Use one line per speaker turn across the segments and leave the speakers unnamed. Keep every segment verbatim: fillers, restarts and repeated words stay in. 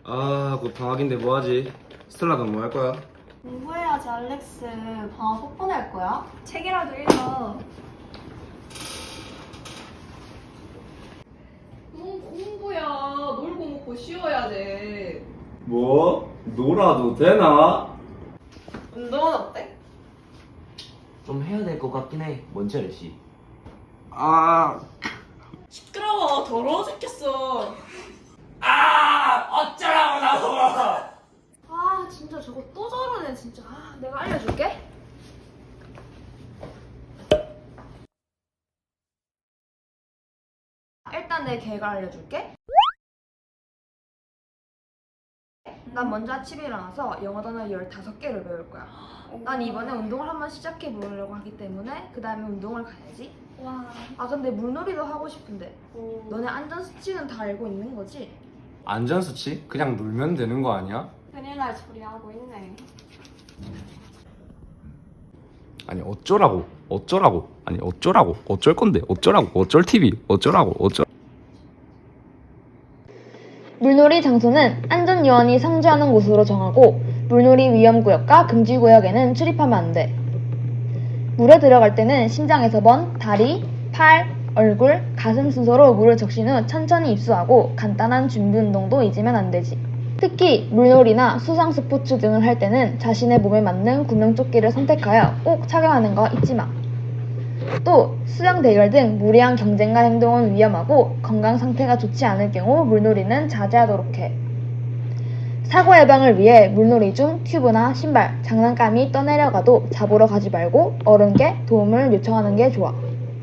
아, 곧 방학인데 뭐하지? 스텔라 넌 뭐 할 거야?
공부해야지, 알렉스. 방학 폭포 낼 거야?
책이라도 읽어.
뭔 공부야. 놀고 먹고 쉬어야 돼.
뭐? 놀아도 되나?
운동은 어때?
좀 해야 될 것 같긴 해. 뭔지 알지?
아,
시끄러워. 더러워 죽겠어.
아! 어쩌라고 나보고!
아, 진짜 저거 또 저러네, 진짜. 아, 내가 알려줄게. 일단 내 계획을 알려줄게. 난 먼저 아침에 일어나서 영어 단어 열다섯 개를 배울 거야. 난 이번에 운동을 한번 시작해 보려고 하기 때문에 그 다음에 운동을 가야지.
와.
아, 근데 물놀이도 하고 싶은데 너네 안전수칙은 다 알고 있는 거지?
안전수칙? 그냥 놀면 되는 거 아니야?
큰일 날 소리 하고 있네.
아니 어쩌라고? 어쩌라고? 아니 어쩌라고? 어쩔 건데? 어쩌라고? 어쩔 티비? 어쩌라고? 어쩌...
물놀이 장소는 안전요원이 상주하는 곳으로 정하고 물놀이 위험구역과 금지구역에는 출입하면 안 돼. 물에 들어갈 때는 심장에서 먼 다리, 팔, 얼굴, 가슴 순서로 물을 적신 후 천천히 입수하고 간단한 준비 운동도 잊으면 안 되지. 특히 물놀이나 수상 스포츠 등을 할 때는 자신의 몸에 맞는 구명조끼를 선택하여 꼭 착용하는 거 잊지 마. 또 수영 대결 등 무리한 경쟁과 행동은 위험하고 건강 상태가 좋지 않을 경우 물놀이는 자제하도록 해. 사고 예방을 위해 물놀이 중 튜브나 신발, 장난감이 떠내려가도 잡으러 가지 말고 어른께 도움을 요청하는 게 좋아.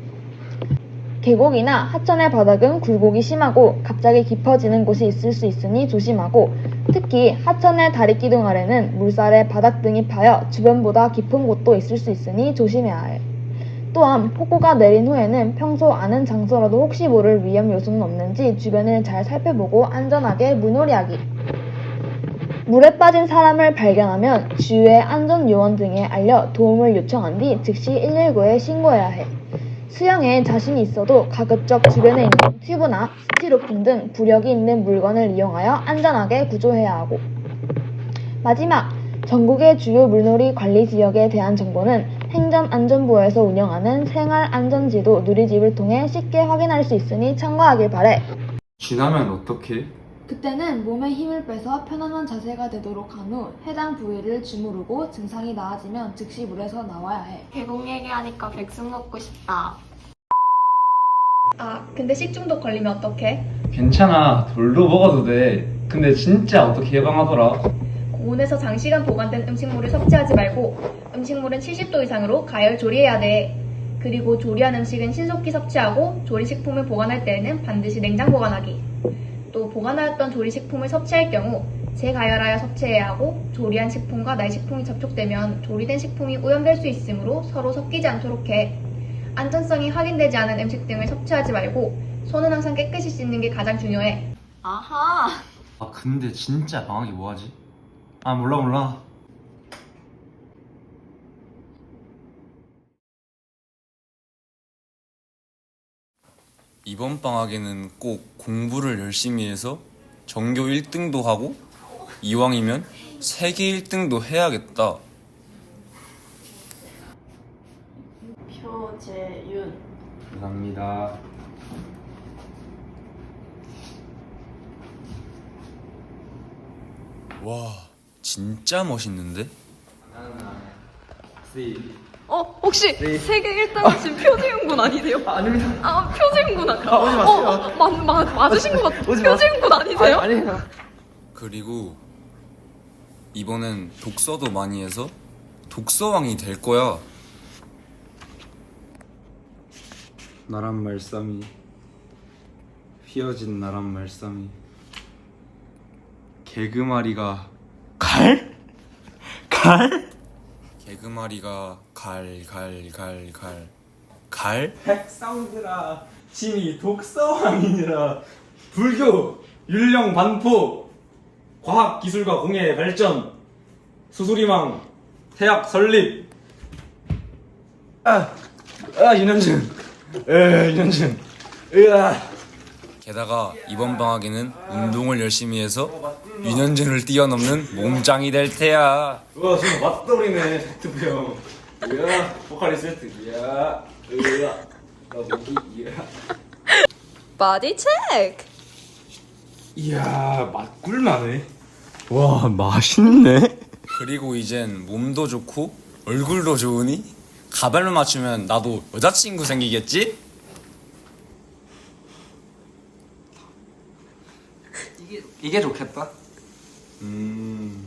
계곡이나 하천의 바닥은 굴곡이 심하고 갑자기 깊어지는 곳이 있을 수 있으니 조심하고, 특히 하천의 다리기둥 아래는 물살에 바닥 등이 파여 주변보다 깊은 곳도 있을 수 있으니 조심해야 해. 또한 폭우가 내린 후에는 평소 아는 장소라도 혹시 모를 위험 요소는 없는지 주변을 잘 살펴보고 안전하게 물놀이하기. 물에 빠진 사람을 발견하면 주위의 안전요원 등에 알려 도움을 요청한 뒤 즉시 일일구에 신고해야 해. 수영에 자신이 있어도 가급적 주변에 있는 튜브나 스티로폼 등 부력이 있는 물건을 이용하여 안전하게 구조해야 하고. 마지막, 전국의 주요 물놀이 관리 지역에 대한 정보는 행정안전부에서 운영하는 생활안전지도 누리집을 통해 쉽게 확인할 수 있으니 참고하길 바래.
지나면 어떡해?
그때는 몸에 힘을 빼서 편안한 자세가 되도록 한 후 해당 부위를 주무르고 증상이 나아지면 즉시 물에서 나와야 해.
계곡 얘기하니까 백숙 먹고 싶다.
아, 근데 식중독 걸리면 어떡해?
괜찮아, 돌도 먹어도 돼. 근데 진짜 어떻게 예방하더라?
고온에서 장시간 보관된 음식물을 섭취하지 말고 음식물은 칠십 도 이상으로 가열 조리해야 돼. 그리고 조리한 음식은 신속히 섭취하고 조리식품을 보관할 때에는 반드시 냉장 보관하기. 또 보관하였던 조리식품을 섭취할 경우 재가열하여 섭취해야 하고, 조리한 식품과 날식품이 접촉되면 조리된 식품이 오염될 수 있으므로 서로 섞이지 않도록 해. 안전성이 확인되지 않은 음식 등을 섭취하지 말고 손은 항상 깨끗이 씻는 게 가장 중요해.
아하!
아 근데 진짜 방학이 뭐하지? 아 몰라 몰라.
이번 방학에는 꼭 공부를 열심히 해서 전교 일 등도 하고 이왕이면 세계 일 등도 해야겠다.
표재윤.
감사합니다.
와, 진짜 멋있는데?
어, 혹시 세계 일 등 하신 표재윤 군 아니세요?
아, 아닙니다.
아, 표재윤 군 아까.
아, 오지 마세요.
어, 마, 마, 맞으신 것 같아요.
오지 마세요.
표재윤 군 아니세요?
아니, 아니에요.
그리고 이번엔 독서도 많이 해서 독서왕이 될 거야.
나란 말싸미, 휘어진 나란 말싸미. 개그마리가 갈? 갈?
개그마리가 갈, 갈, 갈, 갈. 갈?
백성들아, 진이 독서왕이니라. 불교, 율령 반포, 과학 기술과 공예의 발전, 수수리망, 태학 설립. 아, 아 윤현준, 에 윤현준, 으아.
게다가 이번 방학에는 운동을 열심히 해서 유년진을 뛰어넘는 몸짱이 될 테야.
와 지금 맞돌이네 세트부 형. 이야 포카리 세트. 이야 으아 나 목이 이야.
바디 체크!
이야 맛 꿀나네. 와 맛있네.
그리고 이젠 몸도 좋고 얼굴도 좋으니 가발만 맞추면 나도 여자친구 생기겠지?
이게 이게 좋겠다. 음.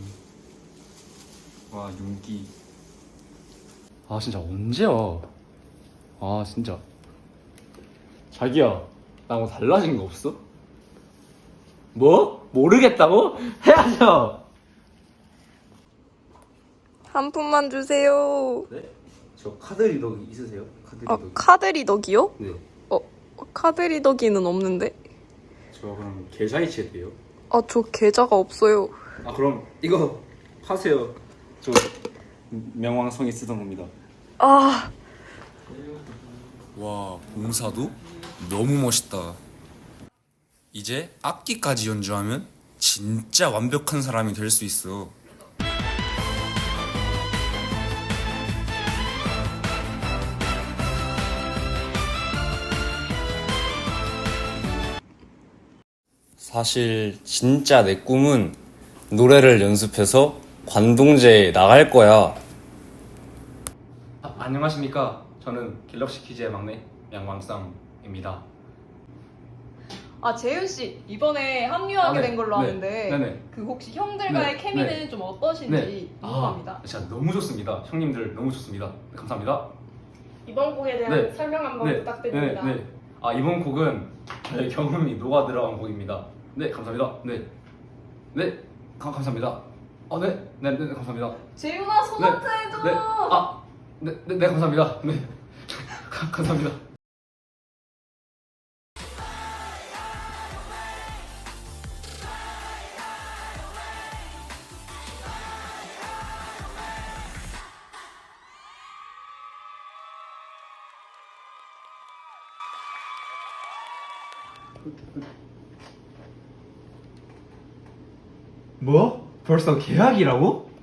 와 윤기. 아 진짜 언제야? 아 진짜. 자기야 나 뭐 달라진 거 없어? 뭐? 모르겠다고? 해야죠.
한 푼만 주세요.
네? 저 카드 리더기 있으세요? 카드
아,
리더기.
카드 리더기요?
네.
어, 카드 리더기는 없는데?
저 그럼 계좌 이체 돼요?
아, 저 계좌가 없어요.
아 그럼 이거 파세요. 저 명왕성이 쓰던 겁니다.
아,
와, 봉사도 너무 멋있다. 이제 악기까지 연주하면 진짜 완벽한 사람이 될 수 있어. 사실 진짜 내 꿈은 노래를 연습해서 관동제에 나갈 거야.
아, 안녕하십니까. 저는 갤럭시 퀴즈의 막내 양왕쌈입니다.
아, 재윤 씨 이번에 합류하게
아, 네.
된 걸로
네.
아는데
네네.
그 혹시 형들과의
네.
케미는
네.
좀 어떠신지 궁금합니다.
아, 진짜 너무 좋습니다. 형님들 너무 좋습니다. 네, 감사합니다.
이번 곡에 대한
네.
설명 한번
네.
부탁드립니다.
네, 네. 아 이번 곡은 저의 경험이 녹아 들어간 곡입니다. 네, 감사합니다. 네, 네, 가, 감사합니다. 어, 네, 네, 네, 네 감사합니다.
재윤아 소나트 해줘.
네, 아, 네, 네, 네 감사합니다. 네, 가, 감사합니다. 뭐? 벌써 계약이라고?